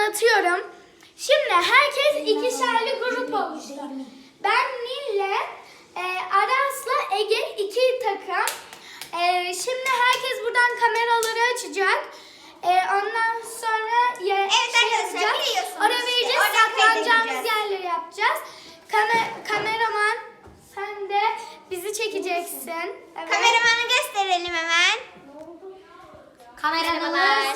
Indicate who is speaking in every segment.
Speaker 1: anlatıyorum. Şimdi herkes ikişerli grup oluştu. Ben Nil'le Aras'la Ege iki takım. Şimdi herkes buradan kameraları açacak. Ondan sonra yapacağız. Oraya vereceğiz. Saklanacağımız yerleri yapacağız. Kameraman sen de bizi çekeceksin. Evet.
Speaker 2: Kameramanı gösterelim hemen.
Speaker 1: Kameramanlar.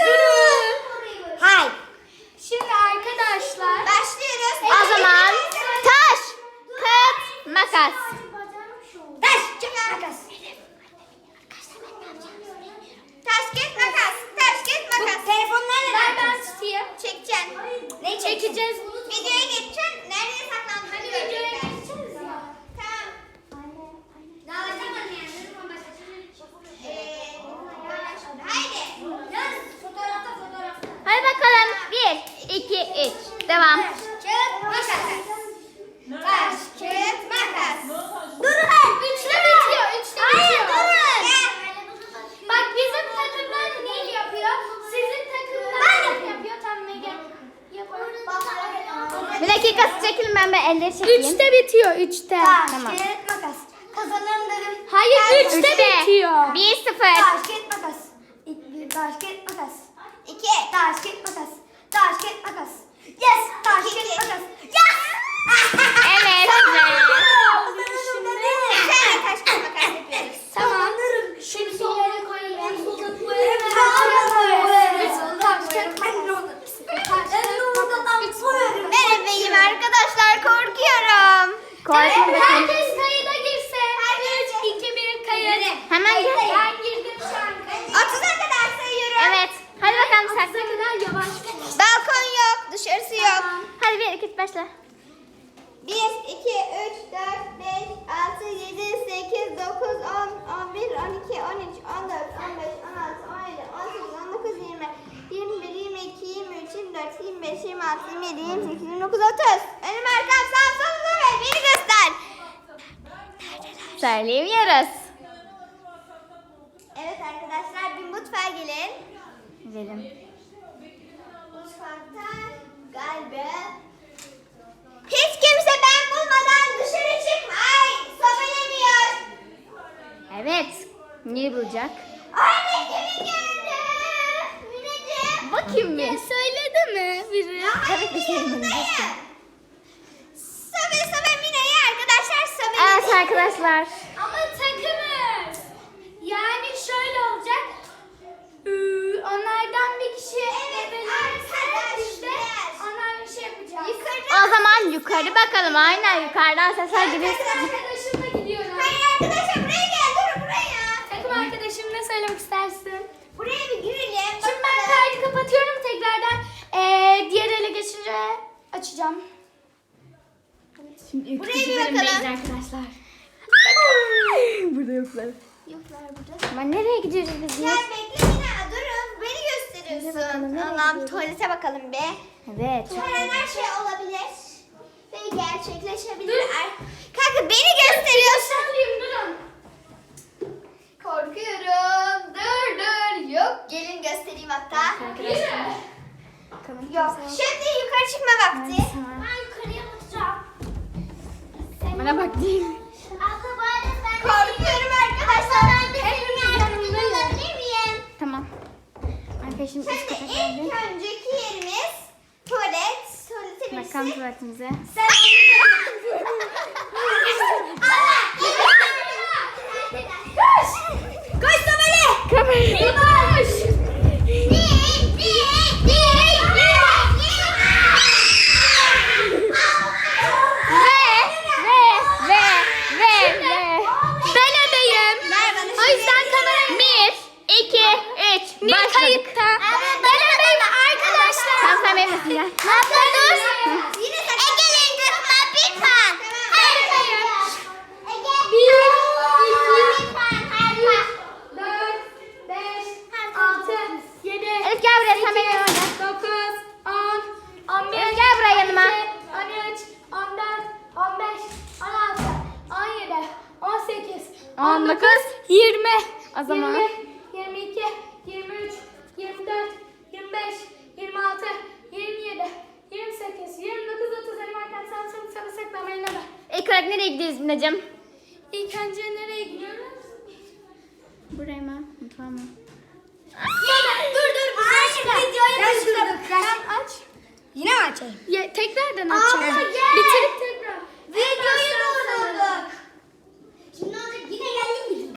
Speaker 2: Hay.
Speaker 1: Şimdi arkadaşlar
Speaker 2: Başlıyoruz.
Speaker 3: O zaman taş, kağıt, makas.
Speaker 2: Taş, kağıt, makas. Taş, kağıt, makas. Taş, kağıt, makas. Telefonları
Speaker 1: ver ben tutayım.
Speaker 2: çekeceksin.
Speaker 1: Ne çekeceğiz?
Speaker 2: Videoya geçeceksin. Nereye saklandın?
Speaker 1: Hadi videoya geçeceğiz ya.
Speaker 2: Tamam. Haydi.
Speaker 3: Hadi bakalım. 1, 2, 3. Devam.
Speaker 2: Kağıt, makas. Taş, kağıt, makas.
Speaker 1: Durun. Üçte bitiyor. Üçte
Speaker 2: Hayır,
Speaker 1: bitiyor.
Speaker 2: durun.
Speaker 1: Bak bizim takımdan Nil yapıyor. Sizin takımdan Nil yapıyor. Tam Mege yapıyor.
Speaker 3: Bir dakika çekilin, ben elleri çekeyim.
Speaker 1: Üçte bitiyor. Üçte.
Speaker 3: Tamam.
Speaker 2: Kağıt, makas. Kazananların.
Speaker 1: Hayır üçte bitiyor.
Speaker 3: 1-0.
Speaker 2: Taş, kağıt, makas. Bir taş, kağıt, makas. 2. Taş, kağıt, makas. Taş, kağıt, makas. Yes. Taş, kağıt, makas. Yes.
Speaker 3: Evet.
Speaker 2: Sen taş, kağıt, makas yapıyoruz.
Speaker 1: Tamam. Şimdi yere koyalım.
Speaker 2: Merhabeyim arkadaşlar, korkuyorum.
Speaker 3: Korkma bakalım.
Speaker 1: Herkes kayıda girsin. 3, 2, 1 kayıt.
Speaker 3: Hemen gir.
Speaker 1: Ben girdim şu an kayıda.
Speaker 2: 30'a kadar sayıyorum.
Speaker 3: Evet. Hadi bakalım
Speaker 1: Sakla
Speaker 3: sakla.
Speaker 1: kadar yavaş.
Speaker 2: Balkon yok, dışarısı yok.
Speaker 3: Hadi 1, 2, 3 başla.
Speaker 2: 1, 2, 3, 4, 5, 6, 7, 8, 9, 10, 11, 12, 13, 14, 15, 16, 17, 18, 19, 20, 21, 22, 23, 24, 25, 26, 27, 28, 29, 30. Önüm arkam sağ soluma ve beni göster.
Speaker 3: Söyleyemiyoruz.
Speaker 2: Evet arkadaşlar, bir mutfağa gelin.
Speaker 3: Gidelim.
Speaker 2: Mutfakta galiba hiç kimse ben bulmadan dışarı çıkmay. Sobelenmiyor.
Speaker 3: Evet. Neyi bulacak?
Speaker 2: Anne kimi gördü? Mineciğim.
Speaker 3: Bakayım bir.
Speaker 1: Söyledi mi biri?
Speaker 3: Tabii ki söylemedim.
Speaker 2: Sobe Mine'yi arkadaşlar sobe.
Speaker 3: Evet arkadaşlar.
Speaker 1: Ama takımız. Yani şöyle olacak. Onlardan bir kişi işte onlar bir şey yapacak.
Speaker 3: O zaman yukarı bakalım. Aynen yukarıdan sesler
Speaker 1: Ben
Speaker 3: geliyor.
Speaker 1: takım arkadaşımla gidiyorum.
Speaker 2: Hayır arkadaşlar buraya gel, dur buraya.
Speaker 1: Takım arkadaşım ne söylemek istersin?
Speaker 2: Buraya bir girelim.
Speaker 1: Şimdi ben kaydı kapatıyorum tekrardan. Diğer ele geçince açacağım.
Speaker 3: Şimdi
Speaker 2: Buraya bir bakalım.
Speaker 3: arkadaşlar. Burada yoklar.
Speaker 2: Yoklar burada.
Speaker 3: Ama nereye gidiyoruz biz ya?
Speaker 2: Gel bekle Mine, durun. Beni gösteriyorsun.
Speaker 3: bakalım, nereye
Speaker 2: Allah'ım
Speaker 3: gidiyoruz?
Speaker 2: tuvalete bakalım be.
Speaker 3: Evet.
Speaker 2: Her şey olabilir. Ve gerçekleşebilir. Kanka beni gösteriyorsun.
Speaker 1: Alayım durun.
Speaker 2: Korkuyorum. Dur. Yok. Gelin göstereyim hatta. Yok. Şimdi yukarı çıkma vakti.
Speaker 1: Ben yukarıya bakacağım.
Speaker 3: Bana bak değil.
Speaker 2: Korkuyorum arkadaşlar. Hepimiz yanımda olabilir miyim?
Speaker 3: Tamam. Arkadaşım üst
Speaker 2: Şimdi
Speaker 3: kata
Speaker 2: ilk
Speaker 3: geldi.
Speaker 2: önceki yerimiz tuvalet. Tuvalete
Speaker 3: Bakalım
Speaker 2: birisi.
Speaker 3: tuvaletimize.
Speaker 2: Sen Koş! Koş Sobeli!
Speaker 3: Kamerayı.
Speaker 1: Koş.
Speaker 3: Ve.
Speaker 1: Ben ebeyim. O yüzden kamerayı...
Speaker 3: 1, 2, 3.
Speaker 1: Nil kayıtta. Ben ebeyim arkadaşlar.
Speaker 3: Tamam sen benim misin gel.
Speaker 2: Ege'nin kızma bir puan.
Speaker 1: Hayır, hayır.
Speaker 2: Ege.
Speaker 1: 1, 2,
Speaker 2: Bir puan her puan.
Speaker 1: 4, 5, 6, 7,
Speaker 3: Elif gel buraya, sen benim yanıma gel.
Speaker 1: 9, 10, 11,
Speaker 3: Elif gel buraya yanıma.
Speaker 1: 13, 14, 15, 16, 17, 18,
Speaker 3: 19,
Speaker 1: 20,
Speaker 3: O zaman-
Speaker 1: 22, 23, 24, 25, 26, 27, 28, 29, 30 elim arkam sağ sola saklamayın da.
Speaker 3: İlk olarak nereye gidiyoruz Minacığım?
Speaker 1: İlk önce nereye gidiyoruz?
Speaker 3: Buraya mı? Mutfağa mı?
Speaker 1: Dur.
Speaker 2: Videoyu durdurduk.
Speaker 1: Sen aç.
Speaker 2: Yine mi açayım?
Speaker 1: Tekrardan
Speaker 2: Abla
Speaker 1: açacağım.
Speaker 2: gel.
Speaker 1: Bitirip